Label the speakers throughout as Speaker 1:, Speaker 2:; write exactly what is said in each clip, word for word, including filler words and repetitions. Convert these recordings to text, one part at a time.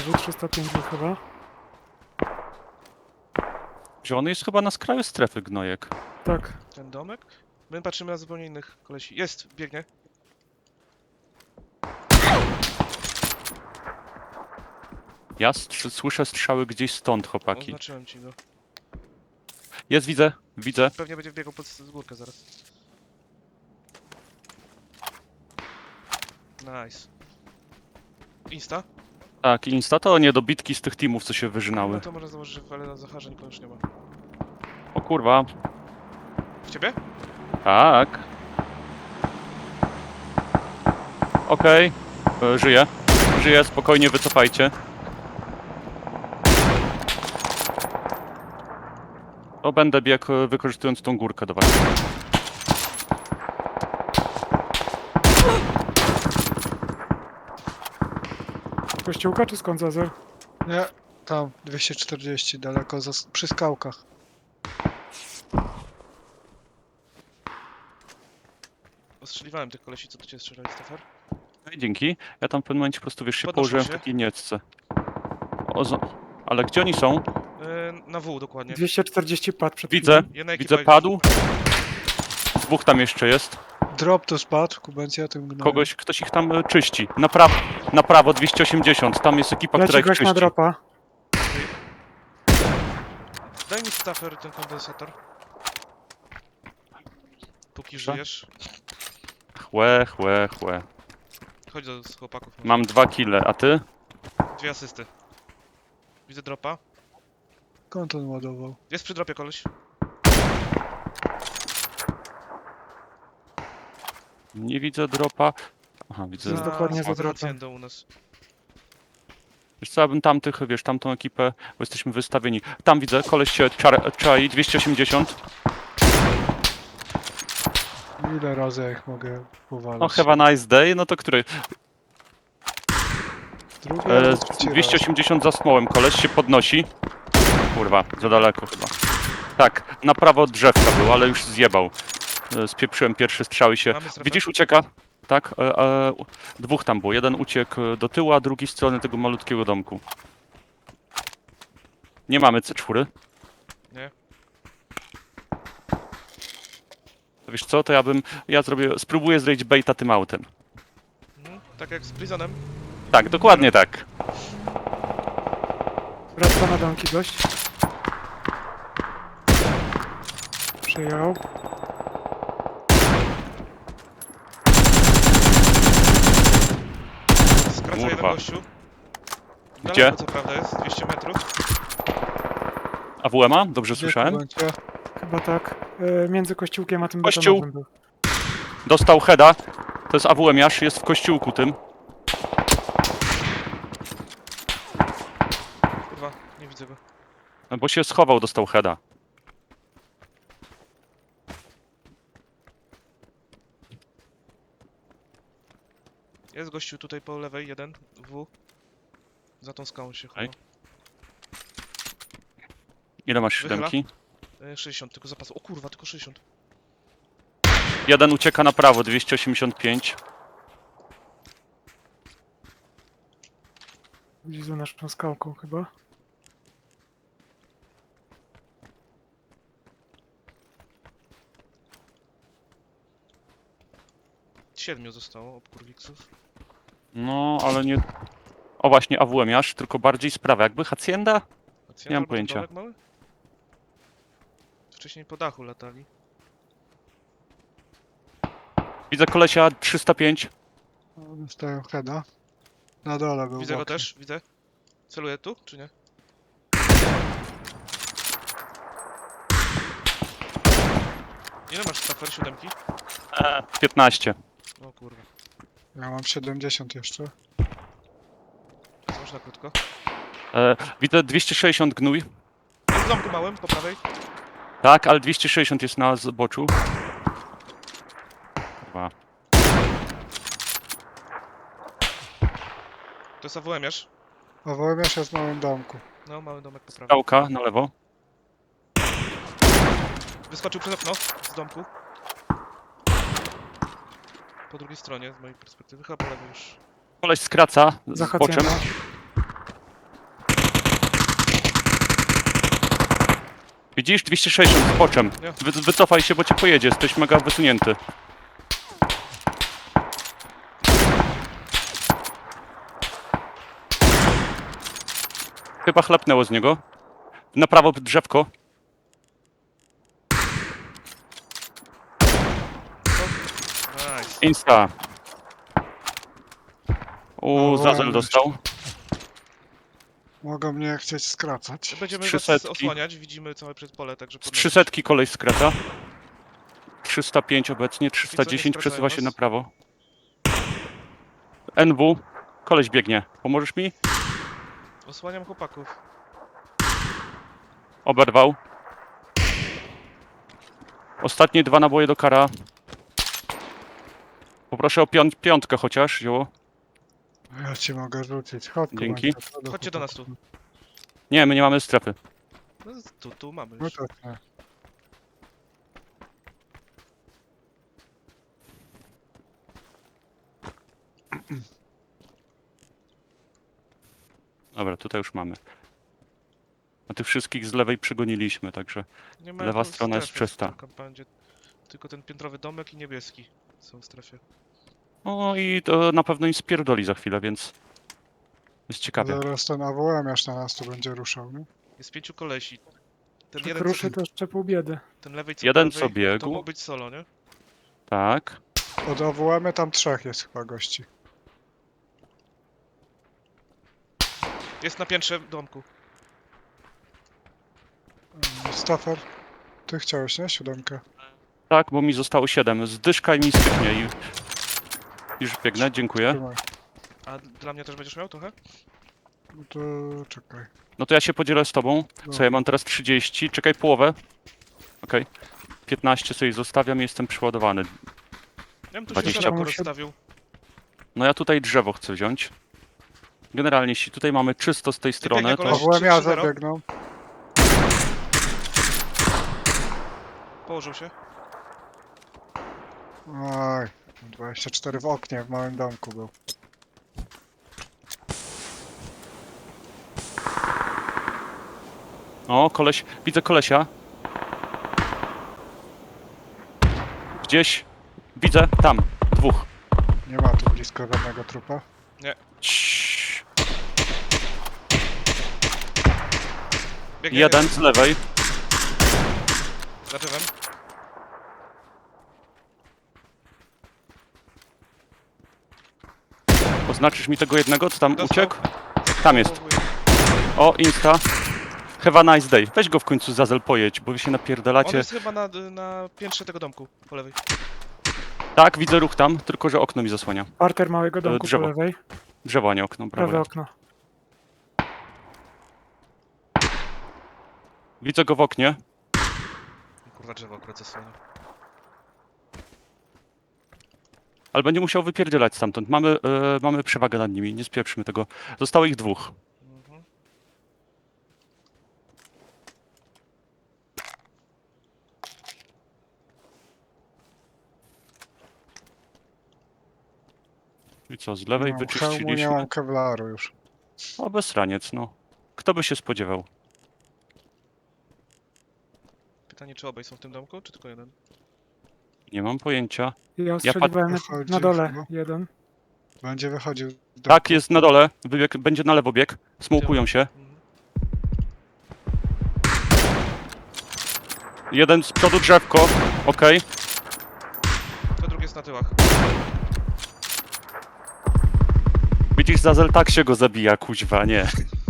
Speaker 1: Znowu trzysta pięć był chyba.
Speaker 2: Zielony jest chyba na skraju strefy, gnojek.
Speaker 1: Tak.
Speaker 3: Ten domek? My patrzymy na zupełnie innych kolesi. Jest, biegnie.
Speaker 2: Ja str- słyszę strzały gdzieś stąd, chłopaki.
Speaker 3: Oznaczyłem ci go.
Speaker 2: Jest, widzę, widzę.
Speaker 3: Pewnie będzie biegał pod z górkę zaraz. Nice. Insta?
Speaker 2: Tak, insta to nie dobitki z tych teamów, co się wyżynały.
Speaker 3: No to można założyć, że ale na Zacharze nikogo już nie ma.
Speaker 2: O kurwa.
Speaker 3: W ciebie?
Speaker 2: Tak. Okej. E, Żyję. Żyję, spokojnie, wycofajcie. To będę biegł, e, wykorzystując tą górkę do was.
Speaker 1: Kościółka czy skąd Zazer?
Speaker 4: Nie, tam, dwieście czterdzieści, daleko, za, przy skałkach.
Speaker 3: Ostrzeliwałem tych kolesi, co do ciebie strzelali, Stafer.
Speaker 2: Ej, dzięki. Ja tam w pewnym momencie po prostu, wiesz, się
Speaker 3: Podnoszą
Speaker 2: położyłem w
Speaker 3: się.
Speaker 2: takiej niecce. O, zo- Ale gdzie oni są?
Speaker 3: Yy, na W dokładnie.
Speaker 1: dwieście czterdzieści padł przed
Speaker 2: Widzę,
Speaker 1: chwilą.
Speaker 3: Jedna ekipa
Speaker 2: widzę,
Speaker 3: już-
Speaker 2: padł. Dwóch tam jeszcze jest.
Speaker 4: Drop tu spadł, Kubencja tym gnojem.
Speaker 2: Kogoś, ktoś ich tam e, czyści. Na, pra na prawo dwieście osiemdziesiąt. Tam jest ekipa, która
Speaker 1: Leci
Speaker 2: ich
Speaker 1: gość na
Speaker 2: czyści.
Speaker 1: dropa.
Speaker 3: Daj mi Stafer ten kondensator. Póki żyjesz.
Speaker 2: Chłe, chłe, chłe.
Speaker 3: Chodź do z chłopaków. może.
Speaker 2: Mam dwa kile, a ty?
Speaker 3: Dwie asysty. Widzę dropa.
Speaker 4: Skąd on ładował?
Speaker 3: Jest przy dropie koleś.
Speaker 2: Nie widzę dropa. Aha, widzę.
Speaker 1: Jest dokładnie za dropem.
Speaker 3: haciendą u nas.
Speaker 2: Wiesz co, ja bym tamtych, wiesz, tamtą ekipę, bo jesteśmy wystawieni. Tam widzę, koleś się czar- czai, dwieście osiemdziesiąt.
Speaker 4: Ile razy ja ich mogę powalić?
Speaker 2: No, have a nice day, no to który?
Speaker 4: Drugi
Speaker 2: E,
Speaker 4: albo trzeci
Speaker 2: dwieście
Speaker 4: raz.
Speaker 2: osiemdziesiąt za smołem, koleś się podnosi. Kurwa, za daleko chyba. Tak, na prawo od drzewka był, ale już zjebał. E, Spieprzyłem pierwszy strzał i się...
Speaker 3: Mamy strefę?
Speaker 2: Widzisz, ucieka? Tak, e, e, u- dwóch tam było. Jeden uciekł do tyłu, a drugi z strony tego malutkiego domku. Nie mamy C cztery.
Speaker 3: Nie.
Speaker 2: To wiesz co, to ja bym... Ja zrobię... Spróbuję zrobić baita tym autem.
Speaker 3: Mhm. Tak jak z Prisonem.
Speaker 2: Tak, dokładnie tak.
Speaker 1: Wraca na domki gość. Przyjął.
Speaker 3: Skraca jeden
Speaker 2: Kurwa.
Speaker 3: gościu.
Speaker 2: Gdzie?
Speaker 3: Daleko, co prawda jest, dwieście metrów.
Speaker 2: A W M A? Dobrze
Speaker 4: Gdzie,
Speaker 2: słyszałem?
Speaker 4: Kubencja?
Speaker 1: Chyba tak. E, między kościółkiem a tym
Speaker 2: Kościół.
Speaker 1: betonowym był.
Speaker 2: Dostał heada. To jest A W M-iarz, jest w kościółku tym.
Speaker 3: Kurwa, nie widzę go.
Speaker 2: Bo się schował, dostał heada.
Speaker 3: Jest gościu tutaj po lewej, jeden, W. Za tą skałą się chowa.
Speaker 2: Ej. Ile masz
Speaker 3: Wychyla.
Speaker 2: siódemki?
Speaker 3: E, sześćdziesiąt, tylko zapas. O kurwa, tylko sześćdziesiąt.
Speaker 2: Jeden ucieka na prawo, dwieście osiemdziesiąt pięć.
Speaker 1: Gdzieś za naszą skałką chyba.
Speaker 3: Siedmiu zostało obkurwiksów.
Speaker 2: No, ale nie... O właśnie, A W M-iarz, tylko bardziej sprawa. Jakby Hacienda?
Speaker 3: Hacjent
Speaker 2: Nie mam
Speaker 3: albo ten
Speaker 2: pojęcia.
Speaker 3: domek mały? Wcześniej po dachu latali.
Speaker 2: Widzę kolesia trzysta pięć.
Speaker 4: O, dostają heada. Na dole był.
Speaker 3: Widzę go
Speaker 4: bokiem.
Speaker 3: też, widzę. Celuję tu, czy nie? Ile masz Stafer? Siódemki?
Speaker 2: piętnaście.
Speaker 3: O kurwa.
Speaker 4: Ja mam siedemdziesiąt jeszcze.
Speaker 3: Można krótko.
Speaker 2: E, widzę dwieście sześćdziesiąt gnój.
Speaker 3: Jest w domku małym, po prawej.
Speaker 2: Tak, ale dwieście sześćdziesiąt jest na zboczu. Kurwa.
Speaker 3: To jest A W M-iarz.
Speaker 4: A Wołemiarz jest w małym domku.
Speaker 3: No, mały domek po prawej.
Speaker 2: Skałka na lewo.
Speaker 3: Wyskoczył przez okno z domku. Po drugiej stronie, z mojej perspektywy. Chyba po lewej już.
Speaker 2: Koleś skraca
Speaker 1: Za
Speaker 2: z boczem.
Speaker 1: Hacjenda.
Speaker 2: Widzisz? dwieście sześćdziesiąt z boczem.
Speaker 3: Nie.
Speaker 2: Wy, wycofaj się, bo cię pojedzie. Jesteś mega wysunięty. Chyba chlapnęło z niego. Na prawo drzewko.
Speaker 3: Nice.
Speaker 2: Insta. U,
Speaker 4: No,
Speaker 2: Zazel
Speaker 4: ładnie.
Speaker 2: dostał.
Speaker 4: Mogą mnie chcieć skracać.
Speaker 3: Będziemy
Speaker 2: trzy
Speaker 3: was
Speaker 2: setki.
Speaker 3: osłaniać, widzimy całe przez pole, także
Speaker 2: Z
Speaker 3: podnosić.
Speaker 2: trzysetki koleś skraca. trzysta pięć obecnie, trzysta dziesięć
Speaker 3: skracają
Speaker 2: przesuwa się
Speaker 3: was?
Speaker 2: na prawo. N W. Koleś biegnie. Pomożesz mi?
Speaker 3: Osłaniam chłopaków.
Speaker 2: Oberwał. Ostatnie dwa naboje do kara. Poproszę o piąt piątkę chociaż, zioło.
Speaker 4: Ja ci mogę rzucić. Chodź tu,
Speaker 2: Dzięki.
Speaker 4: Mańka,
Speaker 3: Chodźcie do nas tu.
Speaker 2: Nie, my nie mamy strefy.
Speaker 3: No, tu, tu mamy
Speaker 4: No
Speaker 3: już.
Speaker 4: tak, nie.
Speaker 2: Dobra, tutaj już mamy. A tych wszystkich z lewej przygoniliśmy, także
Speaker 3: Nie ma
Speaker 2: lewa
Speaker 3: tu
Speaker 2: strona jest
Speaker 3: strefy w
Speaker 2: czysta.
Speaker 3: tym kompandzie. Tylko ten piętrowy domek i niebieski są w strefie.
Speaker 2: No i to na pewno im spierdoli za chwilę, więc jest ciekawie.
Speaker 4: Zaraz ten A W M aż na nas tu będzie ruszał, nie?
Speaker 3: Jest pięciu kolesi. Ten
Speaker 1: Jak
Speaker 3: jeden,
Speaker 1: ruszy,
Speaker 3: co,
Speaker 1: to jeszcze pół biedy.
Speaker 3: ten lewej co
Speaker 2: Jeden
Speaker 3: po lewej,
Speaker 2: co biegł.
Speaker 3: to mógł być solo, nie?
Speaker 2: Tak.
Speaker 4: Od A W M tam trzech jest chyba gości.
Speaker 3: Jest na piętrze w domku.
Speaker 4: Mm, Stafer, ty chciałeś, nie? Siódemkę.
Speaker 2: Tak, bo mi zostało siedem. Zdyszka i mi styknie i... Już biegnę, dziękuję.
Speaker 4: Trzymaj.
Speaker 3: A dla mnie też będziesz miał trochę?
Speaker 4: No to czekaj.
Speaker 2: No to ja się podzielę z tobą. Co, ja mam teraz trzydzieści. Czekaj, połowę. Okej. piętnaście sobie zostawiam i jestem przyładowany.
Speaker 3: Ja bym tu
Speaker 2: dwadzieścia.
Speaker 3: się szeroko
Speaker 1: Muszę-
Speaker 3: rozstawił.
Speaker 2: No ja tutaj drzewo chcę wziąć. Generalnie, jeśli tutaj mamy czysto z tej strony,
Speaker 3: biegnie
Speaker 2: to...
Speaker 3: koleś.
Speaker 4: A W M ja
Speaker 3: trzy zero.
Speaker 4: zabiegną.
Speaker 3: Położył się.
Speaker 4: Oj, dwadzieścia cztery w oknie w małym domku był.
Speaker 2: O, koleś... Widzę kolesia. Gdzieś... Widzę, tam. Dwóch.
Speaker 4: Nie ma tu blisko żadnego trupa.
Speaker 2: Ciii.
Speaker 3: Biegnie
Speaker 2: Jeden z lewej.
Speaker 3: za drzewem.
Speaker 2: Oznaczysz mi tego jednego, co tam
Speaker 3: Dostał.
Speaker 2: uciekł? Tam jest.
Speaker 3: Połowuję.
Speaker 2: O, Insta. Have a nice day. Weź go w końcu Zazel pojedź, bo wy się
Speaker 3: On
Speaker 2: napierdalacie.
Speaker 3: jest chyba na, na piętrze tego domku, po lewej.
Speaker 2: Tak, widzę ruch tam, tylko że okno mi zasłania.
Speaker 1: Parter małego domku po
Speaker 2: drzewo.
Speaker 1: lewej.
Speaker 2: Drzewo, a nie okno,
Speaker 1: Prawe
Speaker 2: brawo.
Speaker 1: okno.
Speaker 2: Widzę go w oknie.
Speaker 3: Kurwa, drzewo akurat zasłania.
Speaker 2: Ale będzie musiał wypierdzielać stamtąd. Mamy, e, mamy przewagę nad nimi, nie spieprzmy tego. Zostało ich dwóch.
Speaker 3: Mhm.
Speaker 2: I co, z lewej
Speaker 4: No, hełmu nie
Speaker 2: wyczyściliśmy?
Speaker 4: mam kevlaru już.
Speaker 2: O, bezraniec, no. Kto by się spodziewał?
Speaker 3: Pytanie, czy obaj są w tym domku, czy tylko jeden?
Speaker 2: Nie mam pojęcia.
Speaker 1: Ja
Speaker 2: pat-
Speaker 1: ostrzeliwałem
Speaker 4: Wychodzi
Speaker 1: na dole
Speaker 4: chyba.
Speaker 1: jeden.
Speaker 4: Będzie wychodził. do-
Speaker 2: Tak, jest na dole. Wybieg, będzie na lewo bieg. Smokują się.
Speaker 3: Mhm.
Speaker 2: Jeden z przodu drzewko. Okej.
Speaker 3: To drugi jest na tyłach.
Speaker 2: Widzisz, Zazel tak się go zabija, kuźwa, nie.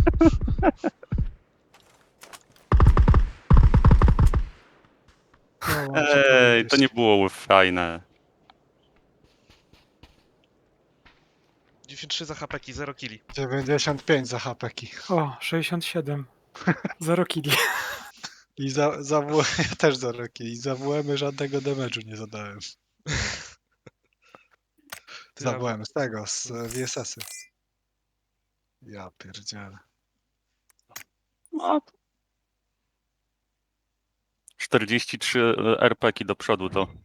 Speaker 4: No, mam co
Speaker 2: Ej, to
Speaker 4: powiedzieć.
Speaker 2: nie było fajne.
Speaker 3: dziewięćdziesiąt trzy za hapeki, zero killi.
Speaker 4: dziewięćdziesiąt pięć za hapeki.
Speaker 1: O, sześćdziesiąt siedem. Zero killi.
Speaker 4: I za, za W ja też za roki. I za W M żadnego damage'u nie zadałem.
Speaker 3: Ty,
Speaker 4: Za
Speaker 3: a-
Speaker 4: W M z tego, z e, V S S-y. Ja pierdzielę.
Speaker 2: No. czterdzieści trzy R P ki do przodu to